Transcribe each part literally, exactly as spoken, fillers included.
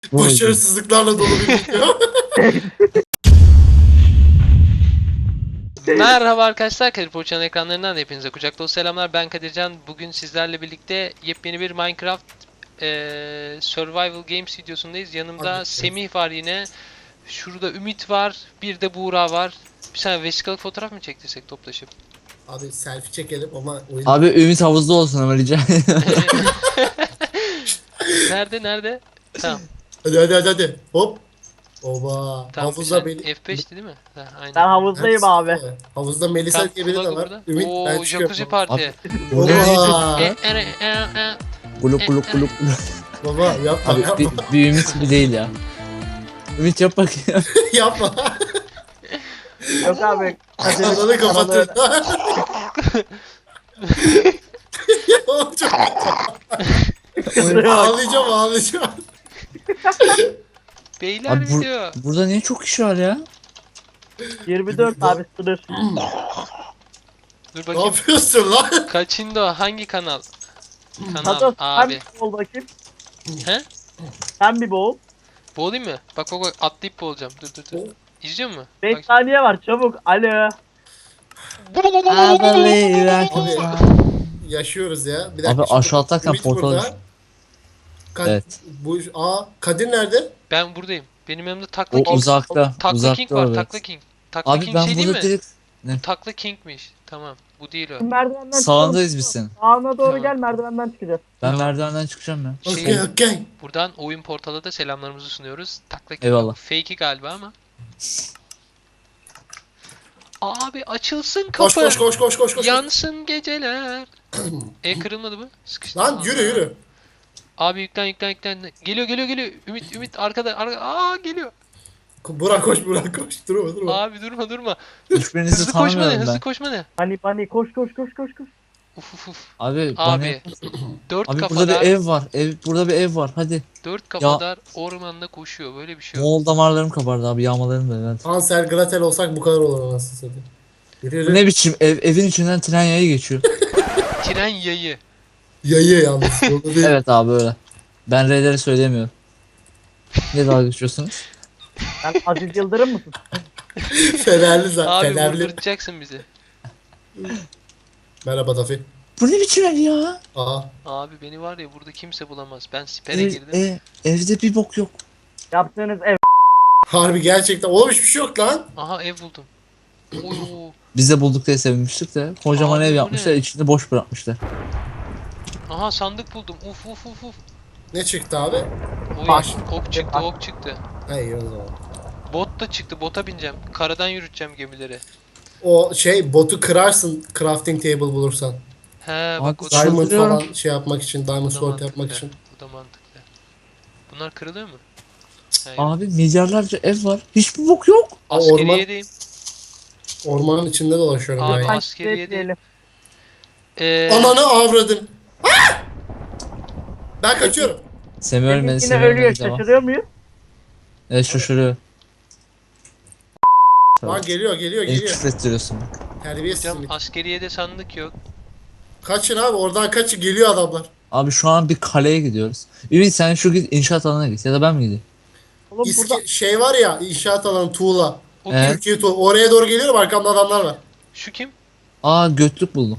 Başarısızlıklarla dolu bir video. Merhaba arkadaşlar, Kadir Poğaça'nın ekranlarından hepinize kucak dolu selamlar. Ben Kadircan. Bugün sizlerle birlikte yepyeni bir Minecraft eee, Survival Games videosundayız. Yanımda Hadi. Semih var yine. Şurada Ümit var. Bir de Buğra var. Bir saniye vesikalık fotoğraf mı çektirsek toplaşıp? Abi selfie çekelim ama oyun... Abi Ümit havuzda olsun ama rica Nerede nerede? Tamam. Hadi hadi hadi hadi. Hop. Oba. Tamam. Havuzda beni... F beş'ti değil mi? Ha, aynen. Ben havuzdayım abi. Havuzda Melisa Tamam, diye biri de kulağı var. burada. Ümit ben Oo, çıkıyorum. jacuzzi parti. Oba. E, e, e, e. Kuluk kuluk kuluk kuluk. Baba yapma Abi yapma. bir, bir Ümit gibi değil ya. Ümit yap bakayım. yapma. Yok abi. Ananı kapatır. Oğlum çok- ağlayacağım ağlayacağım. Beyler Abi bu- video. Burada niye çok kişi var ya? yirmi dört abi sınır. Dur Ne bakayım. yapıyorsun lan? Kaçıncı o? Hangi kanal? Kanal Hatta sen abi. bir boğul bakayım. He? Sen bir boğul. Boğulayım mı? Bak bak bak atlayıp boğulacağım. Dur dur dur. İzliyor musun? beş Bak. saniye var çabuk. Alo. Abi yaşıyoruz ya. Bir Abi şimdi aşağı atlarken Ümit portal burada. düştü. Kad- Evet. Bu aa Kadir nerede? Ben buradayım. Benim yanımda Takla O King. uzakta. Takla uzakta King var. evet. Takla King. Takla Abi King ben şey değil mi? burada direkt Takla King'miş. Tamam. Bu değil o. Merdivenden sağındayız biz senin. Sağına doğru Tamam. gel merdivenden çıkacağız. Ben Tamam. merdivenden çıkacağım ya. Şey- Okey okey. Buradan oyun portalı da selamlarımızı sunuyoruz. Takla King. Eyvallah. Fake'i galiba ama. Abi açılsın kapı. Koş koş koş koş koş koş. Yansın geceler. E kırılmadı mı? Sıkıştı. Lan Aa. yürü yürü. Abi yüklen yüklen yüklen. Geliyor geliyor geliyor. Ümit Ümit arkada. Arka... Aa geliyor. Burak koş Burak koş. Durma durma. Abi durma durma. Hiçbirinizi Hızlı koşma ne? tanımıyorum Hızlı ben. koşma ne? Hani hani koş koş koş koş koş. Uf uf uf. Abi, bana Abi. yap- Dört Abi burada kafadar. bir ev var. Ev burada bir ev var. Hadi. Dört kafadar ormanda koşuyor. Böyle bir şey yok. Moğol damarlarım kabardı abi. Yağmalarım da evet. Hansel Gretel olsak bu kadar olur anasını satayım. Yürü Bu yürü. ne biçim ev? Evin içinden tren yayı geçiyor. Tren yayı. Yayı yalnız. Yolu değil. Evet abi öyle. Ben R'leri söyleyemiyorum. Ne dalga geçiyorsunuz? Sen Aziz Yıldırım mısın? Fenerli zaten. Abi Fenerli. vurduracaksın bizi. Merhaba Tafi. Bu ne biçim ev ya? Aa. Abi beni var ya burada kimse bulamaz. Ben sipere Ev, girdim. e, evde bir bok yok. Yaptığınız ev. Harbi gerçekten. Oğlum hiçbir şey yok lan. Aha ev buldum. Oo. Biz de bulduk diye sevinmiştik de. Kocaman Abi ev bu yapmışlar. ne? İçini boş bırakmışlar. Aha sandık buldum. Uf uf uf uf. Ne çıktı abi? Oy, Baş. ok çıktı ok çıktı. Ha iyi o zaman. Bot da çıktı. Bota bineceğim. Karadan yürüteceğim gemileri. O şey botu kırarsın crafting table bulursan. He Abi, bak o da, Çıldırıyorum. Diamond falan şey yapmak için, diamond bu da sword yapmak mantıklı. için. Bu da mantıklı. Bunlar kırılıyor mu? He, yok. Abi milyarlarca ev var. Hiçbir bok yok. Aa, orman, Askeriyedeyim. ormanın içinde dolaşıyorum Abi, ben. askeriye değil. Bekleyelim. Ee, Ananı avradın. Ah! Ben kaçıyorum. Semih ölmedi. Yine Semih ölüyor ölmedi. Devam. şaşırıyor muyuz? Evet şaşırıyor. Lan geliyor geliyor Beni geliyor. küfrettiriyorsun bak. Terbiyesiz. hocam Ümit. askeriyede sandık yok. Kaçın abi oradan kaçın geliyor adamlar. Abi şu an bir kaleye gidiyoruz. Ümit sen şu git inşaat alanına git ya da ben mi gideyim? Oğlum İski, burada şey var ya inşaat alanı tuğla. O Evet. kim? Türkiye tuğla. Oraya doğru geliyorum arkamda adamlar var. Şu kim? Aa götlük buldum.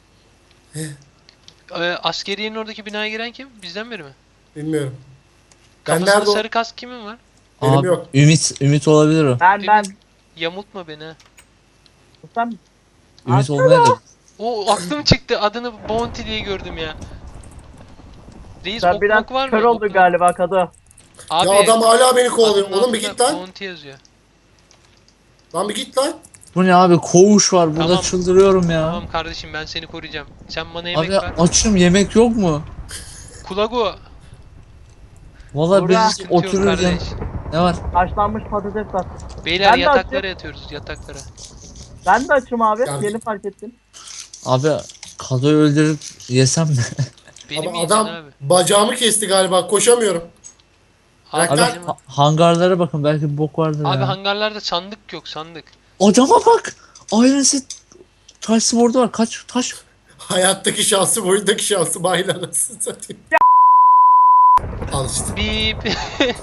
Ee, askeriyenin oradaki binaya giren kim? Bizden biri mi? Bilmiyorum. Ben Kafasında nerede o? sarı kask kimin var? Benim Abi, yok. Ümit, Ümit olabilir o. ben ben. Yamultma beni ha. Sen Ümit olmayabilir. O aklım çıktı. Adını Bounty diye gördüm ya. Reis sen ok biraz mok var mı? kör Ok oldun mok. galiba Kadı. Abi, Ya adam hala beni kovalıyor. adının Oğlum bir altında git lan. Bounty yazıyor. Lan bir git lan. Bu ne abi koğuş var burada Tamam. çıldırıyorum ya. Tamam kardeşim ben seni koruyacağım. Sen bana yemek Abi ver. açım yemek yok mu? Kulago. Valla Burak. biz Sıkıntı yok otururuz ya. kardeş. Ne var? Haşlanmış patates var. Beyler Ben de yataklara açım. yatıyoruz yataklara. Ben de açım abi. Ya- Yeni fark ettim. Abi kadoyu öldürüp yesem mi? Benim Ama yiyeceksin adam abi. bacağımı kesti galiba koşamıyorum. Abi, Abi Bırak benim- ha- hangarlara bakın belki bir bok vardır abi ya. hangarlarda sandık yok sandık. Adama bak! Iron Set taş spordu var. Kaç taş? Hayattaki şansı, oyundaki şansı aynı anasını satayım. Al işte. Bip.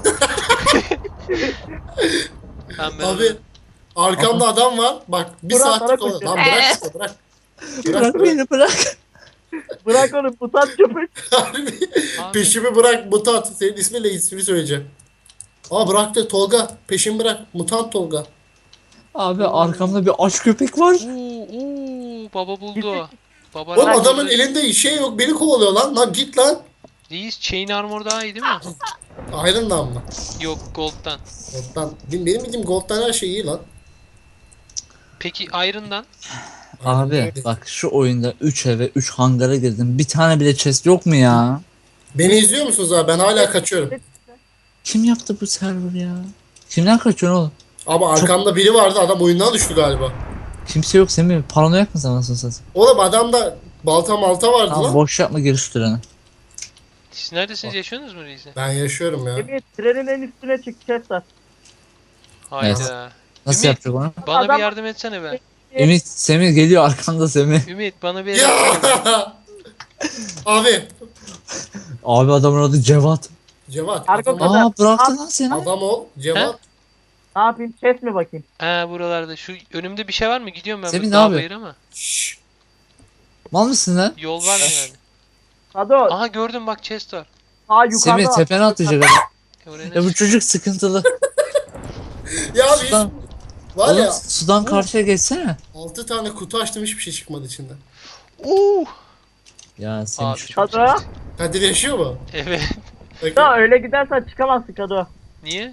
Tamam, ben Abi arkamda adam var. Bak bir Burak, saattir bana kovalıyor. koşuyor. Lan bırak işte bırak. Bırak Bırak bırak. beni bırak. Bırak onu mutant köpek. Harbi. Abi. Peşimi bırak mutant. Senin isminle ismini söyleyeceğim. Aa bıraktı Tolga. Peşimi bırak. Mutant Tolga. Abi arkamda bir aç köpek var. Oo, oo, baba buldu. Baba Oğlum rahat adamın buldu. elinde şey yok. Beni kovalıyor lan. Lan git lan. Reis chain armor daha iyi değil mi? Iron'dan mı? Yok, gold'dan. Gold'dan. Benim benim bildiğim Gold'dan her şey iyi lan. Peki Iron'dan? Abi bak şu oyunda üç eve üç hangara girdim. Bir tane bile chest yok mu ya? Beni izliyor musunuz abi? Ben hala kaçıyorum. Kim yaptı bu server ya? Kimden kaçıyorsun oğlum? Ama arkamda biri vardı. Adam oyundan düştü galiba. Kimse yok Semih. Paranoyak mısın anasını satayım? Oğlum adamda balta malta vardı Tamam lan. boş yapma giriş treni. Siz neredesiniz? Yaşıyorsunuz mu Reis'e? Ben yaşıyorum ya. Emir trenin en üstüne çık Chester. Hayda. Nasıl Ümit. yapacak onu? Bana Adam- bir yardım etsene be. Ümit Semih geliyor arkanda Semih. Ümit bana bir yardım etsene be. Ya! Abi. Abi adamın adı Cevat. Cevat. Arka Adam, kadar. Aa bıraktı lan seni. adam ol. Cevat. Ne yapayım? Chest mi bakayım? Ha, buralarda. Şu önümde bir şey var mı? Gidiyorum ben. Semih, bu ne dağ yapıyor? bayır ama. Şşş. Mal mısın lan? Yol var mı yani? Sado. Aha, gördüm bak, chest var. Aa yukarıda. Semih var. tepene atlayacak adam. E, oraya Ya bu nasıl- çocuk sıkıntılı. Ya biz Sudan, var oğlum, ya sudan karşıya geçsene. altı tane kutu açtım hiçbir şey çıkmadı içinden. Oo. Ya Semih Abi şu- çok Sado. sıkıntı. Kadir yaşıyor mu? Evet. Bakın. Ya öyle gidersen çıkamazsın Sado. Niye?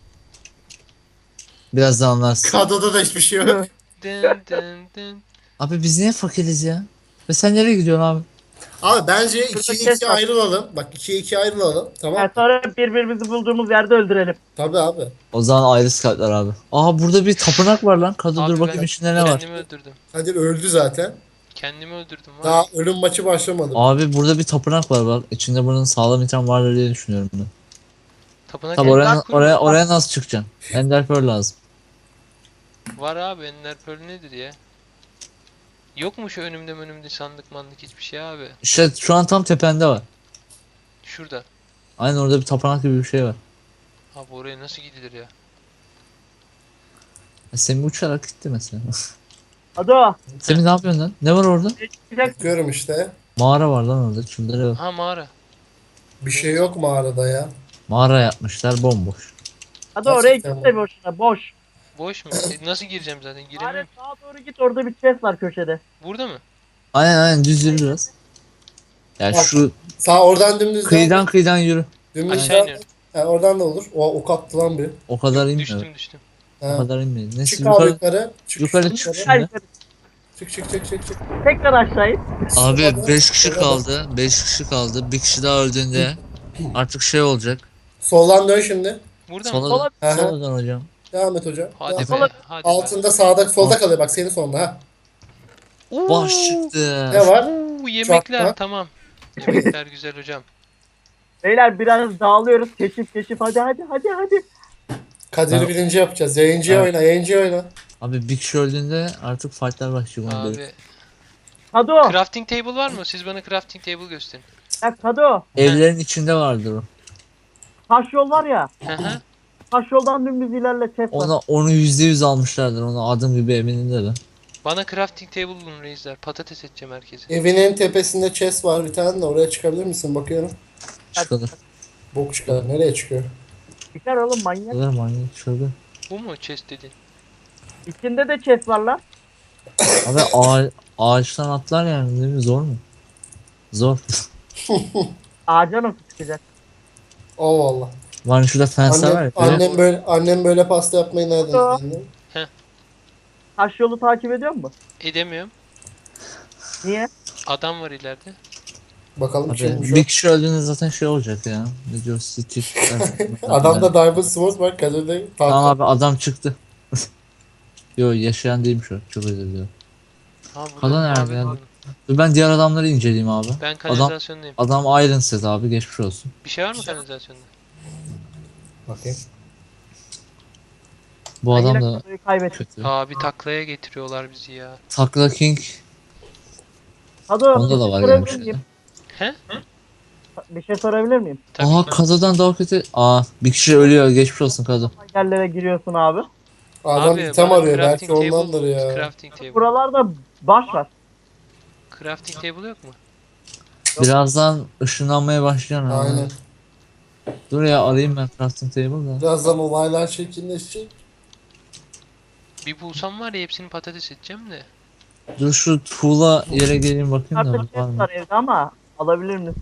biraz daha anlarsın. Kado'da da hiçbir şey yok. Dın dın dın. Abi biz niye fakiriz ya? Ve sen nereye gidiyorsun abi? Abi bence ikiye kes iki var. ayrılalım. Bak ikiye iki ayrılalım. Tamam. Yani sonra birbirimizi bulduğumuz yerde öldürelim. Tabii abi. O zaman ayrı skatlar abi. Aa burada bir tapınak var lan. Kadı Abi dur bakayım ben içinde ne var. Kendimi öldürdüm. Kadir öldü zaten. Kendimi öldürdüm var. Daha ölüm maçı başlamadı. Abi burada bir tapınak var bak. İçinde bunun sağlam item vardır diye düşünüyorum bunu. Tapınak Tabi Ender oraya, Pearl oraya, mü? oraya nasıl çıkacaksın? Ender Pearl lazım. Var abi, Ender Pearl nedir ya? Yok mu şu önümde önümde sandık mandık hiçbir şey abi? İşte şu an tam tepende var. Şurada. Aynen orada bir tapınak gibi bir şey var. Abi oraya nasıl gidilir ya? Ya Semih uçarak gitti mesela. Sado. Semih ne yapıyorsun lan? Ne var orada? Çıkacak. Bakıyorum işte. Mağara var lan orada. Şunlara bak. Ha, mağara. Bir şey yok mağarada ya. Mağara yapmışlar bomboş. Sado oraya Gerçekten gitme mi? boşuna. Boş. Boş mu? E, nasıl gireceğim zaten? Aynen Giremiyorum. sağa doğru git orada bir chest var köşede. Burada mı? Aynen aynen düz yürü biraz. Ya Bak. şu Sağ oradan dümdüz kıyıdan kıyıdan yürü. Dümdüz Aşağı sağ- iniyorum. Ha, oradan da olur. O ok attı lan bir. O kadar inmiyor. Düştüm düştüm. O Ha. kadar inmiyor. Neyse Çık abi yukarı. yukarı. Çık yukarı çık çık. Gel Şimdi. yukarı. Çık çık çık çık çık. Tekrar aşağı in. Abi beş kişi Sola- kaldı. beş kişi kaldı. Bir kişi daha öldüğünde artık şey olacak. Soldan dön şimdi. Burada mı? Sola Sola- Hı hı. Soldan hocam. Devam et hocam. Hadi Devam. be. Sola- Hadi be. Altında sağda solda kalıyor bak senin sonunda ha. Oo. Baş çıktı. Ne var? Oo, yemekler Çakma. tamam. Yemekler güzel hocam. Beyler biraz dağılıyoruz. Keşif keşif hadi hadi hadi hadi. Kadir'i Ben- birinci yapacağız. Yayıncıya Evet. oyna, yayıncıya oyna. Abi bir kişi öldüğünde artık fightlar başlıyor. onu biliyorum. Abi. Sado. Crafting table var mı? Siz bana crafting table gösterin. Ya Sado. Evlerin içinde vardır o. Taş yol var ya. Hı hı. Taş yoldan dümdüz ilerle chest var. Ona onu yüzde yüz almışlardır. Onu adım gibi eminim de ben. Bana crafting table bulun reisler. Patates edeceğim herkese. Evinin tepesinde chest var bir tane de oraya çıkabilir misin? Bakıyorum. Çıkılır. Bok çıkar. Nereye çıkıyor? Çıkar oğlum manyak. Çıkılır manyak çıkılır. Bu mu chest dediğin? İçinde de chest var lan. Abi ağa, ağaçtan atlar yani değil mi? Zor mu? Zor. Ağaca nasıl çıkacak? Allah Allah. Var şurada fenster var Annem, ya. annem böyle annem böyle pasta yapmayı nereden Aa. öğrendi? Taş yolu takip ediyor musun? Edemiyorum. Niye? Adam var ileride. Bakalım Abi, kimmiş o. bir kişi öldüğünde zaten şey olacak ya. Ne diyor? City. Adamda Diamond Sword var. Kadir'de Tamam tahta. abi adam çıktı. Yo yaşayan değilmiş o. Çok özür diliyorum. Ha, burada Kalan nerede mavi ya? var. Dur ben diğer adamları inceleyeyim abi. Ben Adam kanalizasyondayım. adam Iron Set abi geçmiş olsun. Bir şey var mı kanalizasyonda? Bakayım. Bu Ben adam yine da Sado'yu kaybettim. kötü. Abi taklaya getiriyorlar bizi ya. Takla King Sado. onda da var görebilir gelmiş. miyim? He? Bir şey sorabilir miyim? Tabii Aha ki. Kazo'dan daha kötü. Aa bir kişi ölüyor. Geçmiş olsun Kazo. Yerlere giriyorsun abi. Adam Abi item bana arıyor. Belki crafting table ondandır bulun. ya. Crafting table. Buralarda baş var. Crafting table yok mu? Birazdan ışınlanmaya başlayacaksın abi. Aynen. Dur ya arayayım ben crafting table da. Birazdan olaylar şekilleşecek. Bir bulsam var ya hepsini patates edeceğim de. Dur şu tuğla yere geleyim bakayım da Artık var chest mı? var evde ama alabilir misin?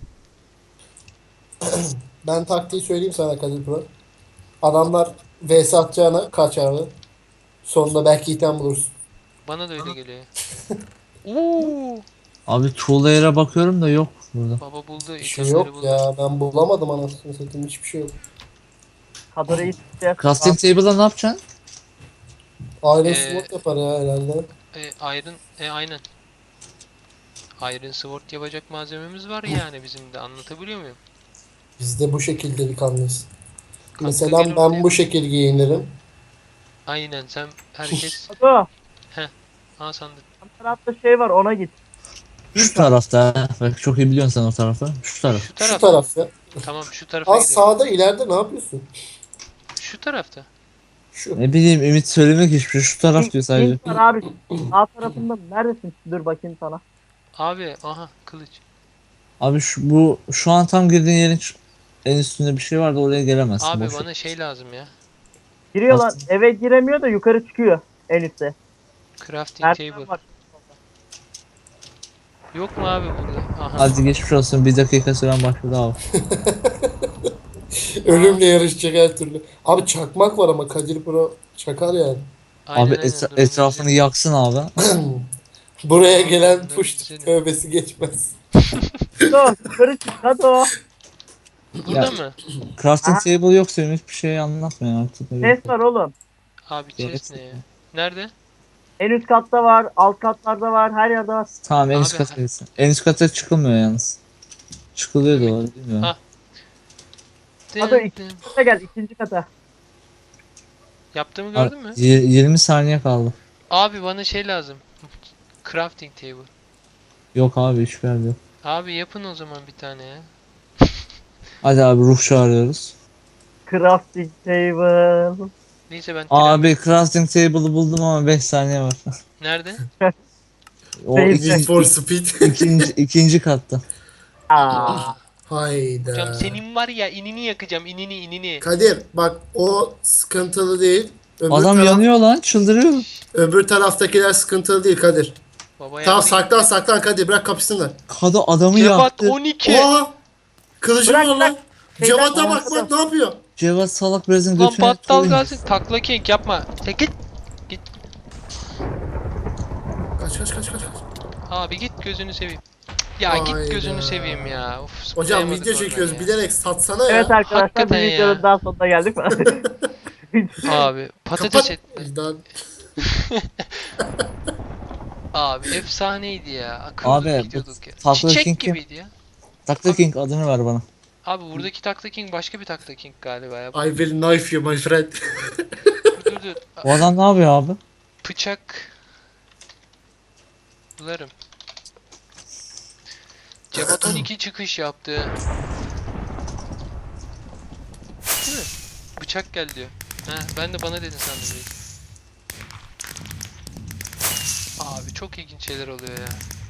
Ben taktiği söyleyeyim sana Kadir Pro. Adamlar V S atacağına kaç abi. Sonunda belki item bulursun. Bana da öyle geliyor. Oo, Abi tuğla yere bakıyorum da yok burada. baba buldu. Bir şey itemleri yok buldu. ya. Ben bulamadım anasını satayım. Hiçbir şey yok. Kadroyu isteyeceğiz. Crafting table'da ne yapacaksın? Iron Ee, Sword yapar ya herhalde. E, iron, e, aynen. Iron Sword yapacak malzememiz var yani bizim de, anlatabiliyor muyum? Biz de bu şekilde bir kanlıyız. Katkı Mesela gelir ben ortaya. bu şekil giyinirim. Aynen, sen herkes Kadro. ha sandık. Yan tarafta şey var ona git. Şu tarafta. ha. Bak çok iyi biliyorsun sen o tarafı. Şu taraf. Şu taraf. Şu tarafta. Tamam, şu tarafa Az gidiyorum. sağda ileride ne yapıyorsun? Şu tarafta. Şu. Ne bileyim Ümit söylemek hiçbir şey. Şu taraf diyor sadece. Link var abi. Sağ tarafında neredesin? Dur bakayım sana. Abi aha kılıç. Abi şu bu şu an tam girdiğin yerin ç- en üstünde bir şey vardı oraya gelemezsin. Abi boş ver. bana şey lazım ya. Giriyorlar Nasıl? eve giremiyor da yukarı çıkıyor en üstte. Crafting Merdiven table. var. Yok mu abi burada? Aha. Hadi geçmiş olsun bir dakika süren başladı abi. Ölümle yarışacak her türlü. Abi çakmak var ama Kadir Pro çakar yani. Aynen, abi aynen, etra- dur, etrafını onu yaksın abi. Buraya gelen Ben push güzelim. tövbesi geçmez. Kadro yukarı çık Kadro. Burada Ya. mı? Crafting Aha. table yoksa Ümit bir şey anlatmıyor artık. Chest var oğlum. Abi Evet. chest ne ya? Nerede? En üst katta var, alt katlarda var, her yerde var. Tamam en üst Abi, kata gitsin. En üst kata çıkılmıyor yalnız. Çıkılıyor da var bilmiyorum. Ha. Hadi Dın iki- dın. Kata gel ikinci kata. Yaptığımı gördün mü? Abi, y- yirmi saniye kaldı. Abi bana şey lazım. Crafting table. Yok abi hiçbir yerde yok. Abi yapın o zaman bir tane ya. Hadi abi ruh çağırıyoruz. Crafting table. Neyse ben Abi crafting table'ı buldum ama beş saniye var. nerede? O Değil. Need ikinci, for Speed. ikinci, ikinci katta. Aa. Hayda. Hocam senin var ya, inini yakacağım, inini inini. Kadir bak o sıkıntılı değil. Öbür Adam taraf- yanıyor lan çıldırıyor. Öbür taraftakiler sıkıntılı değil Kadir. Baba Tamam yaptı. saklan saklan Kadir bırak kapışsınlar. Kadı adamı Cevat yaktı. on iki. Oha! Kılıcım Bırak, var lan. bırak. Cevat'a Şeyden- bak bak ne yapıyor? Cevat salak bezin Lan götüne battal koyun. gelsin. Takla king yapma. Tek git. Kaç kaç kaç kaç. kaç. Abi git gözünü seveyim. Ya Hayda. git gözünü seveyim ya. Of, Hocam zıplayamadık video oradan çekiyoruz ya. bilerek satsana ya. Evet arkadaşlar Hakikaten bir ya. videonun daha sonuna geldik mi? Abi patates Kapat. et. Vicdan. Abi efsaneydi ya. Akıllı Abi, bu gidiyorduk ya. Takla Çiçek King kim? gibiydi ya. Takla King adını ver bana. Abi buradaki Takla King başka bir Takla King galiba ya. I will knife you my friend. Dur dur dur. Bu adam ne yapıyor abi? Bıçak. Bularım. Cevat on iki çıkış yaptı. Değil mi? Bıçak gel diyor. Ha, ben de bana dedin sandım. Reis. Abi çok ilginç şeyler oluyor ya.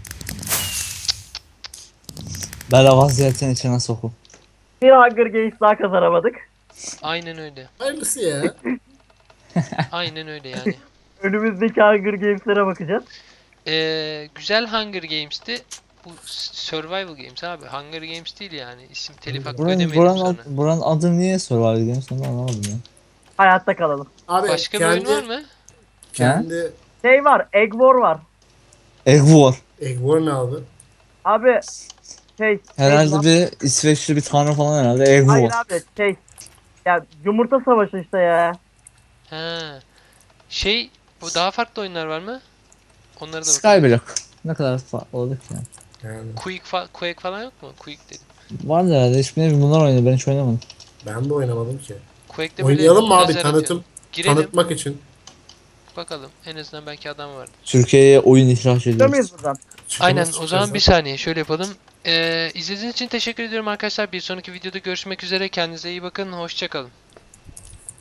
Bela vaziyetin içine sokup. Bir Hunger Games daha kazanamadık. Aynen öyle. Hayırlısı ya. Aynen öyle yani. Önümüzdeki Hunger Games'lere bakacağız. Ee, güzel Hunger Games'ti. Bu Survival Games abi. Hunger Games değil yani. İsim telif hakkı Buranın, ödemeyelim buranın, sonra. ad- buranın adı niye Survival Games onu anlamadım ya. Hayatta kalalım. Abi Başka bir kendi, oyun var mı? kendi Şey var, Egg War var. Egg War. Egg War ne abi? Abi şey Herhalde şey, bir İsveçli bir tanrı falan herhalde Egg hayır War. abi şey ya yumurta savaşı işte ya. Ha. Şey, bu daha farklı oyunlar var mı? Onlara da bakalım. Skyblock. Ne kadar farklı oldu ki yani. Yani Quake, fa Quake falan yok mu? Quake dedim. Vardı herhalde hiçbirine bunlar oynadı ben hiç oynamadım. ben de oynamadım ki. Quake'de böyle Oynayalım mı abi lazer tanıtım atıyorsun. Girelim tanıtmak için. bakalım. En azından belki adam vardır. Türkiye'ye oyun ihraç Çıkıyor ediyoruz. muyuz buradan? Aynen, Çıkmaz o zaman çıkarsa. bir saniye şöyle yapalım. Ee, izlediğiniz için teşekkür ediyorum arkadaşlar. Bir sonraki videoda görüşmek üzere. Kendinize iyi bakın. Hoşça kalın.